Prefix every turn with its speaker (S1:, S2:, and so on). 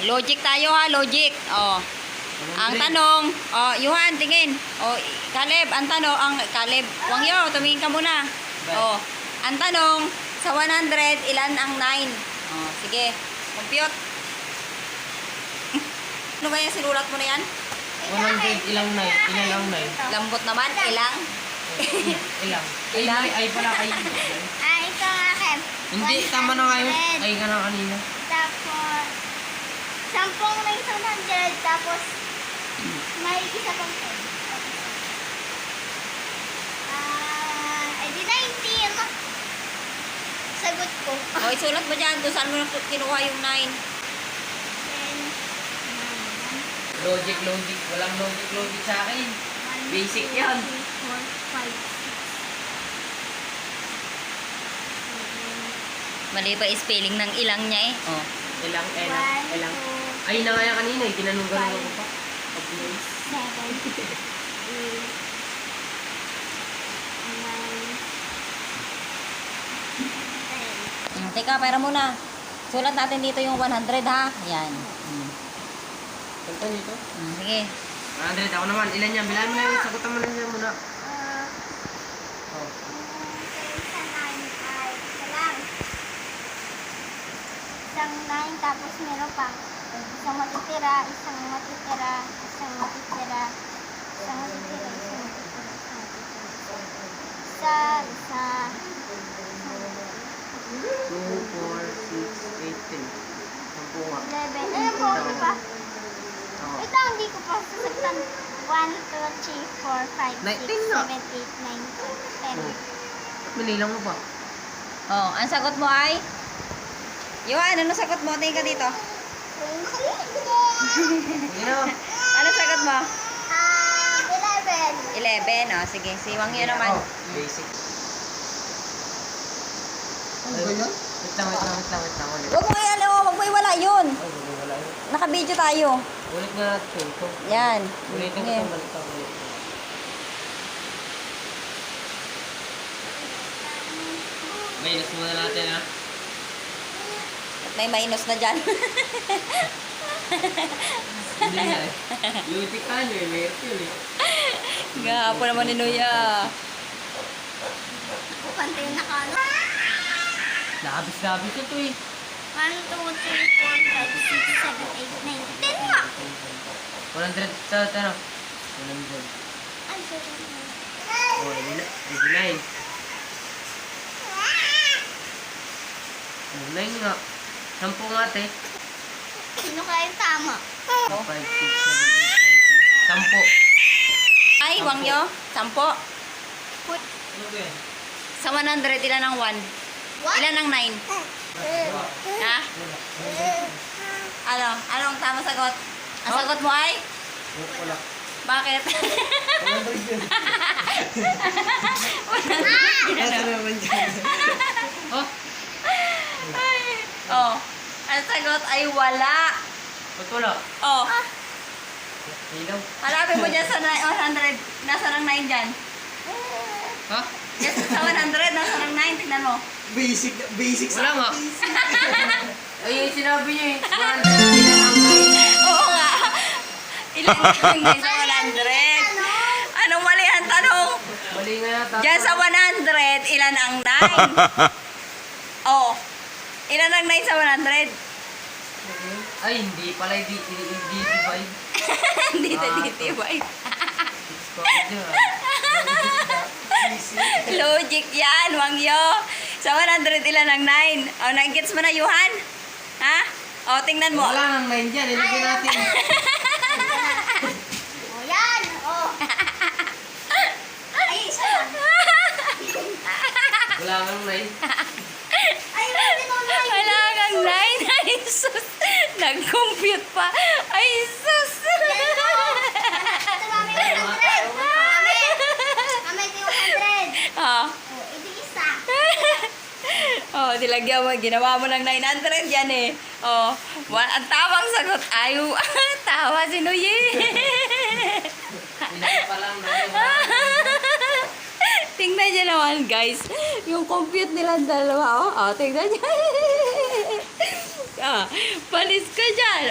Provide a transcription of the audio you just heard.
S1: logic tayo ha, logic. Oh. Ang tanong, oh, Yuhan, tingin. Oh, Caleb, ang tanong, Caleb, Wangyo, tumingin ka muna. Oh, ang tanong, sa 100, ilan ang 9? Oh, sige, compute. Ano ba yung sinulat mo na yan?
S2: 100, ilang 9? Ilan ang 9?
S1: Lambot naman, ilang?
S2: Ilang?
S1: Ilang?
S2: Ay pala kayo.
S3: Ito nga, Kem.
S2: Hindi, tama na ngayon. Ay ka na kanina.
S3: Tapos, 10 may 100, tapos, may isa pang 10. Edi 19. Sagot ko.
S1: Oh, isulat mo dyan, kung saan mo kinuha yung 9.
S3: 10,
S2: Logic. Walang logic sa akin. Basic yan.
S3: 2, 3, 4, 5, 6, 7,
S1: Mali pa spelling ng ilang niya eh. Oh.
S2: Ilang.
S3: 1, 2,
S2: Ay na nga yan kanina eh. Ginanong-ganong ako pa.
S3: 7, 8, 9, 10.
S1: Teka, pera muna. Sulat natin dito yung 100 ha. Yan.
S2: Kanta niyo ito?
S1: Sige.
S2: 100. Ako naman. Ilan yan? Bilaan mo na yun. Sagutan mo na yan muna. Oh.
S3: Isang 9 ay isa lang. Isang 9 tapos meron pang isang matitira, isang matitira, isang matitira, isang matitira, isang matitira, isa,
S2: 2, 4, 6, 8, 10. Sampu nga.
S3: 11. Ayun po, di ba?
S2: Oo.
S3: Ito, hindi ko pa sasagtan. 1, 2, 3, 4, 5, 6, 7, 8, 9, 10.
S2: Manilang mo pa.
S1: Oh, ang sagot mo ay? Yuhan, ano sagot mo? Tingin ka dito.
S2: Sige na.
S1: Ano sagot mo?
S3: 11.
S1: 11. Oh, sige. Si Wangyo naman.
S2: Oh, basic.
S4: Ano ba yan?
S2: Wait lang. Ulit.
S1: Huwag mo huwag mo iwala yun.
S2: Ay, wala yun.
S1: Naka-video tayo.
S2: Ulit na natin ito.
S1: Yan.
S2: Ulitin ko
S1: Sige.
S2: itong balik ulit. Minus muna natin ha.
S1: At may minus na dyan.
S2: Hindi na eh. Logic ka nyo eh. Meron yun eh.
S1: Gapo naman ni Nuya.
S3: Kanta yung nakano.
S2: Labis ito eh.
S3: 1, 2, 3, 4, 5, 6, 7, 8, 9, 10 nga.
S2: 100 sa ano? 100.
S3: Ay, sorry.
S2: Oh, 89. 9 nga. 10 nga te.
S3: Sino kaya yung tama?
S2: 5, 6, 7, 8, 9, 10.
S1: Ay, Wangyo. 10.
S2: Ano ba yan?
S1: Sa 100, ilan ang 1? Ilan ang 9? Ha? Ano? Anong tama sagot? Ang sagot mo ay?
S2: Wala.
S1: Bakit?
S4: 100 yun. Nasa naman dyan.
S2: Oh,
S1: Oh. Ang sagot ay wala.
S2: ba't wala?
S1: Oh.
S2: Ilaw.
S1: Hanapin mo dyan sa 100. Nasa ng 9 dyan.
S2: Ha?
S1: Yes, sa 100, nasa ng 9. Tignan mo.
S4: Basic
S2: Wala nga.
S4: basic.
S2: Ay, yung sinabi niyo eh. 100 ilan ang 9?
S1: Oo nga. Ilan ang 9 sa 100? Anong mali ang tanong?
S2: Mali nga yata.
S1: Diyan sa 100, ilan ang 9? Oh. Ilan ang 9 sa 100?
S2: Ay, hindi pala. Divide.
S1: Hindi na divide.
S2: 6 bakit yun ah?
S1: Logic yan, Wangyo. Sa 100, ilan ang 9? Oh, nag-gets mo na, Yuhan? Ha? Oh, tingnan mo.
S2: Wala nang 9 dyan. Ilagay natin.
S3: O, yan. O. Ay, isa lang.
S2: Wala nang 9.
S3: Ay, hindi ko na.
S1: Wala kang 9. Ay, sus. Nag-compute pa. Ay, sus.
S3: Ito, mami, 100. Mami. Mami, ito yung 100.
S1: Ah.
S3: O, ito isa.
S1: Oh, dilagyan mo. Ginawa mo ng 900 yan eh. Oh, ang tamang sagot ay tawa si Nuye.
S2: Ilagay pa lang na yun.
S1: Tingnan niyo naman, guys. Yung compute nila dalawa, oh. Oh, tingnan niyo. Ah, palis ka dyan.